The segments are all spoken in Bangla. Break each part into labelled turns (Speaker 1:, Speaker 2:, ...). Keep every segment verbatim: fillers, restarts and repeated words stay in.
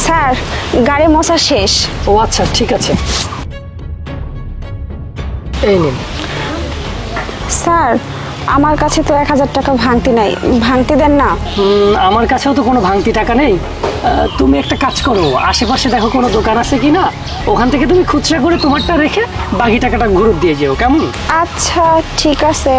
Speaker 1: স্যার গাড়ি মোছা শেষ।
Speaker 2: ও আচ্ছা ঠিক আছে, এই নিন।
Speaker 1: স্যার আমার কাছে তো এক হাজার টাকা ভাঙতি নাই, ভাঙতি দেন না?
Speaker 2: হুম, আমার কাছেও তো কোনো ভাঙতি টাকা নেই। আহ, তুমি একটা কাজ করো, আশেপাশে দেখো কোনো দোকান আছে কি না, ওখান থেকে তুমি খুচরা করে তোমারটা রেখে বাকি টাকাটা ঘুরত দিয়ে যেও, কেমন?
Speaker 1: আচ্ছা ঠিক আছে।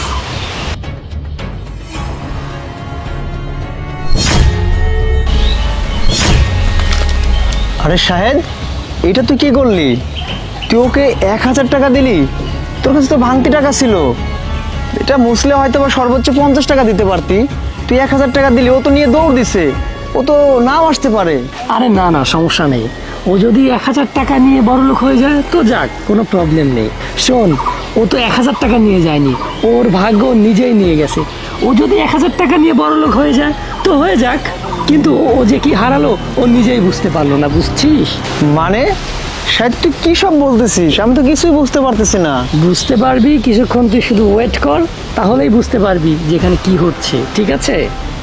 Speaker 3: আরে শাহেদ, এটা তুই কি করলি? তুই ওকে এক হাজার টাকা দিলি? তোর কাছে তো ভাঙতি টাকা ছিল। এটা মুসলে হয়তো বা সর্বোচ্চ পঞ্চাশ টাকা দিতে পারতি। তুই এক হাজার টাকা দিলি, ও তো নিয়ে দৌড় দিছে। ও তো নাও আসতে পারে।
Speaker 2: আরে না না, সমস্যা নেই। ও যদি এক হাজার টাকা নিয়ে বড়লোক হয়ে যায় তো যাক, কোনো প্রবলেম নেই। শোন, ও তো এক হাজার টাকা নিয়ে যায়নি, ওর ভাগ্য ও নিজেই নিয়ে গেছে। ও যদি এক হাজার টাকা নিয়ে বড়লোক হয়ে যায় তো হয়ে যাক, কিন্তু ও যে কি হারালো ও নিজেই বুঝতে পারলো না, বুঝছিস?
Speaker 3: মানে শাহেদ তুই কি সব বলতেছিস? আমি তো কিছুই বুঝতে পারতেছি না।
Speaker 2: বুঝতে পারবি কিছুক্ষণ, তুই শুধু ওয়েট কর, তাহলেই বুঝতে পারবি যে এখানে কি হচ্ছে, ঠিক আছে?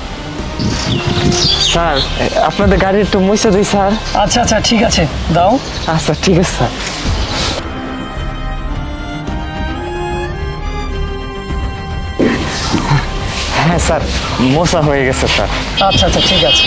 Speaker 3: স্যার আপনাদের গাড়ি একটু মুছে দিই স্যার।
Speaker 2: আচ্ছা আচ্ছা ঠিক আছে, দাও।
Speaker 3: আচ্ছা ঠিক আছে স্যার। হ্যাঁ স্যার, মোছা হয়ে গেছে স্যার।
Speaker 2: আচ্ছা আচ্ছা ঠিক আছে,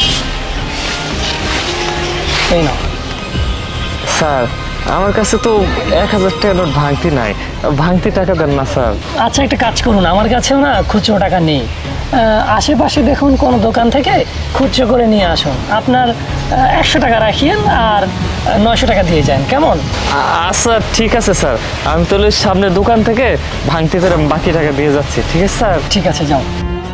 Speaker 2: এই নাও।
Speaker 3: স্যার আমার কাছে তো এক হাজার টাকা নোট ভাঙতি নাই, ভাঙতি টাকা দেন না স্যার।
Speaker 2: আচ্ছা একটা কাজ করুন, আমার কাছেও না খুচরো টাকা নেই। আহ, আশেপাশে দেখুন কোনো দোকান থেকে খুচরো করে নিয়ে আসুন। আপনার একশো টাকা রাখিয়েন আর নয়শো টাকা দিয়ে যান, কেমন?
Speaker 3: আ- আচ্ছা ঠিক আছে স্যার, আমি তাহলে সামনের দোকান থেকে ভাঙতি করে বাকি টাকা দিয়ে যাচ্ছি। ঠিক আছে স্যার।
Speaker 2: ঠিক আছে, যাও।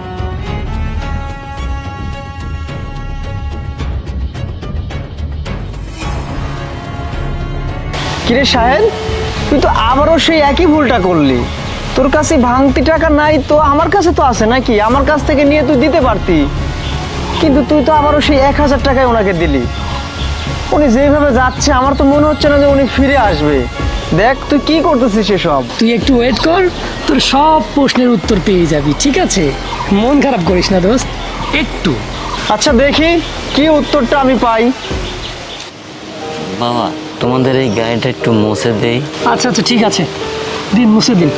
Speaker 3: কিরে শাহেদ, তুই তো আবারও সেই একই ভুলটা করলি। তোর কাছে ভাঙতি টাকা নাই তো আমার কাছে তো আছে নাকি? আমার কাছ থেকে নিয়ে তুই দিতে পারতি, কিন্তু তুই তো আবারও সেই এক হাজার টাকায় ওনাকে দিলি। উনি যেভাবে যাচ্ছে আমার তো মনে হচ্ছে না যে উনি ফিরে আসবে। দেখ তুই কি করতেছিস এসব।
Speaker 2: তুই একটু ওয়েট কর, তোর সব প্রশ্নের উত্তর পেয়ে যাবি, ঠিক আছে? মন খারাপ করিস না দোস্ত, একটু।
Speaker 3: আচ্ছা দেখি কি উত্তরটা আমি পাই।
Speaker 4: বাবা, তোমাদের এই গাড়িটা একটু মুছে দেই।
Speaker 2: আচ্ছা আচ্ছা ঠিক আছে, দিন, মুছে দিন।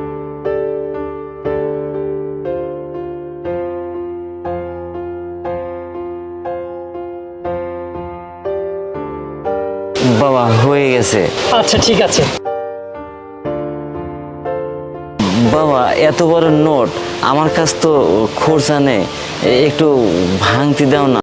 Speaker 4: বাবা হয়ে গেছে।
Speaker 2: আচ্ছা ঠিক আছে।
Speaker 4: বাবা এত বড় নোট, আমার কাছ তো খরচা নেই, একটু ভাঙতি দাও না।